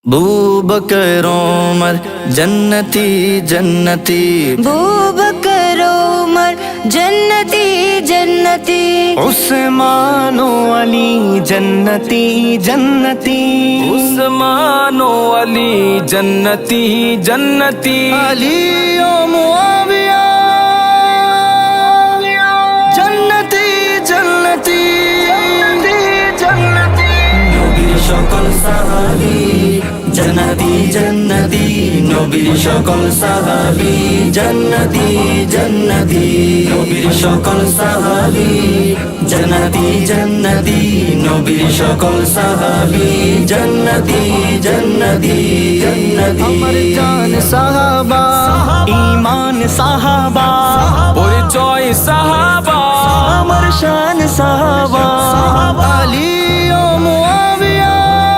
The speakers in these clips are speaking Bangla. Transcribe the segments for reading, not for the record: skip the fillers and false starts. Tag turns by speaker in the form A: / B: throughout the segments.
A: बूबकर उमर जन्नती जन्नती,
B: बूबकर उमर जन्नती जन्नती,
A: उस्मानो अली जन्नती जन्नती,
C: उस्मानो अली जन्नती जन्नती,
A: अली ओ मुआविया जन्नती जन्नती जन्नती, नबीर সকল সাহাবী जन्नती जन्नती, नबीर সকল সাহাবী जन्नती जन्नती, नबीर সকল সাহাবী जन्नती जन्नती, नबीर সকল সাহাবী जन्नती जन्नती जन्नती, अमर जान साहबा ईमान साहबा,
C: পরিচয় সাহাবা,
A: अमर शान साहबा, अली ओ मुआविया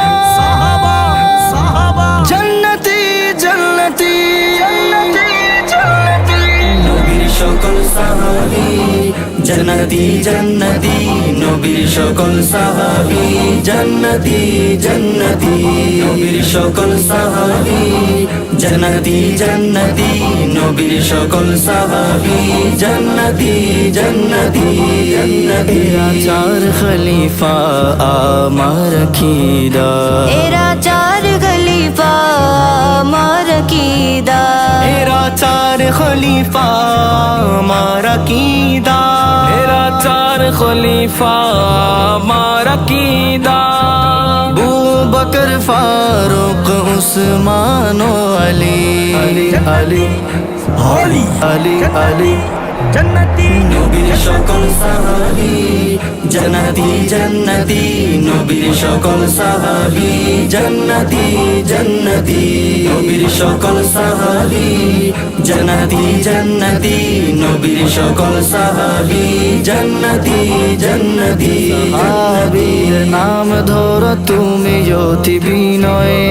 A: जन्नती जन्नती जन्नती, नबीर সকল সাহাবী जन्नती जन्नती, नबीर সকল সাহাবী जन्नती जन्नती, नबीर সকল সাহাবী जन्नती जन्नती, नबीर সকল সাহাবী जन्नती जन्नती जन्नती, चार खलीफा आमार कीदा,
B: एरा चार खलीफा अमर कीदा,
A: एरा चार खलीफा मारा कीदा,
C: मेरा चार खलीफा मारा कीदा,
A: अबू बकर फारूक उस्मान अली अली अली अली अली अली जन्नती, नबीर সকল সাহাবী जन्नती जन्नती, नबीर সকল সাহাবী जन्नती जन्नती, नबीर সকল সাহাবী जन्नती जन्नती, नबीर সকল সাহাবী जन्नती जन्नती, সাহাবীর নাম ধরো তুমি অতি বিনয়ে,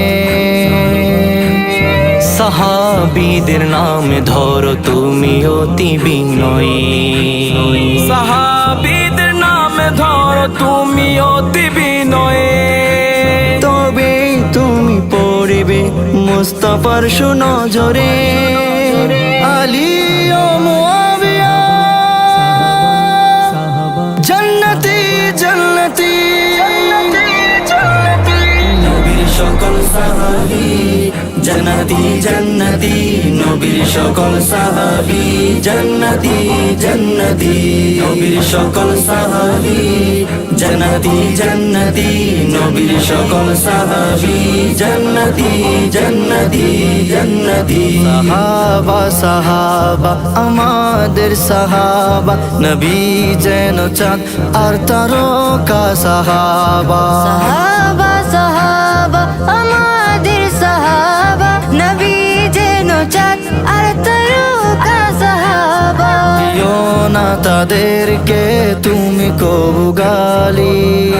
A: সাহাবীদের নাম ধরো তুমি অতি বিনয়ে,
C: সাহাবীদের নাম ধরো তুমি অতি বিনয়ে,
A: তবে তুমি পড়বে মুস্তাফার সুনজরে, আলী ও মুআবিয়া জন্নতি জন্নতি জন্নতি, নবীর সকল সাহাবী जन्नती जन्नती, नबीर সকল সাহাবী जन्नती जन्नती, नबीर সকল সাহাবী जन्नती जन्नती, नबीर সকল সাহাবী जन्नती जन्नती जन्नती, সাহাবা সাহাবা আমাদের সাহাবা, নবী যেন চাঁদ আর তারকা সাহাবা,
B: সাহাবা সাহাবা আমাদের সাহাবা, নবী যেন চাঁদ আর তারকা সাহাবা,
A: দিও না তাদেরকে তুমি কবু গালি,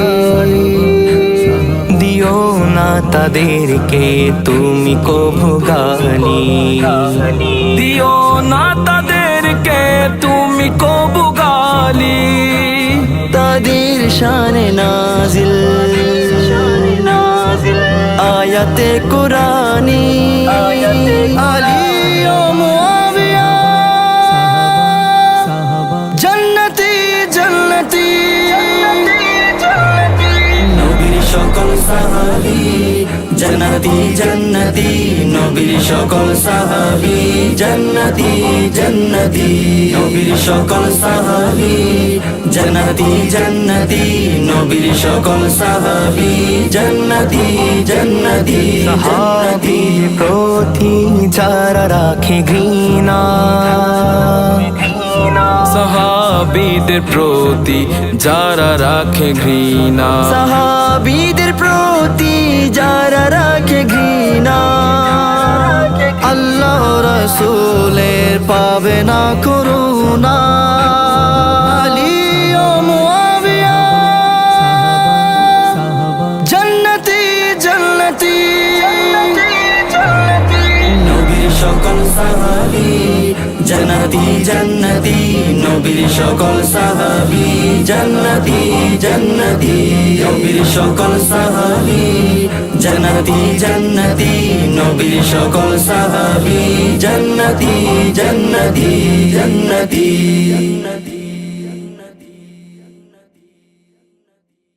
A: দিও না তাদেরকে তুমি কবু গালি,
C: দিও না তাদেরকে তুমি কবু গালি,
A: তাদের শানে নাজিল আয়াতে কুরানি, আলী ও মুআবিয়া জন্নতি জন্নতি নবীর সকল সাহাবী जन्नती जन्नती, नबीर সকল সাহাবী जन्नती जन्नती, नबीर সকল সাহাবী जन्नती जन्नती, नबीर সকল সাহাবী जन्नती जन्नती, সাহাবী প্রতি যারা রাখে ঘৃণা,
C: সাহাবীদের প্রতি যারা রাখে ঘৃণা,
A: সাহাবীদের প্রতি যারা রাখে ঘৃণা, আল্লাহ রাসূলের পাবে না করুণা, আলী ও মুআবিয়া জন্নতি জন্নতি নবীর সকল সাহাবী জান্নাতি জান্নাতি নবীর সকল সাহাবী জান্নাতি জান্নাতি নবীর সকল সাহাবী জান্নাতি জান্নাতি নবীর সকল সাহাবী জান্নাতি জান্নাতি জান্নাতি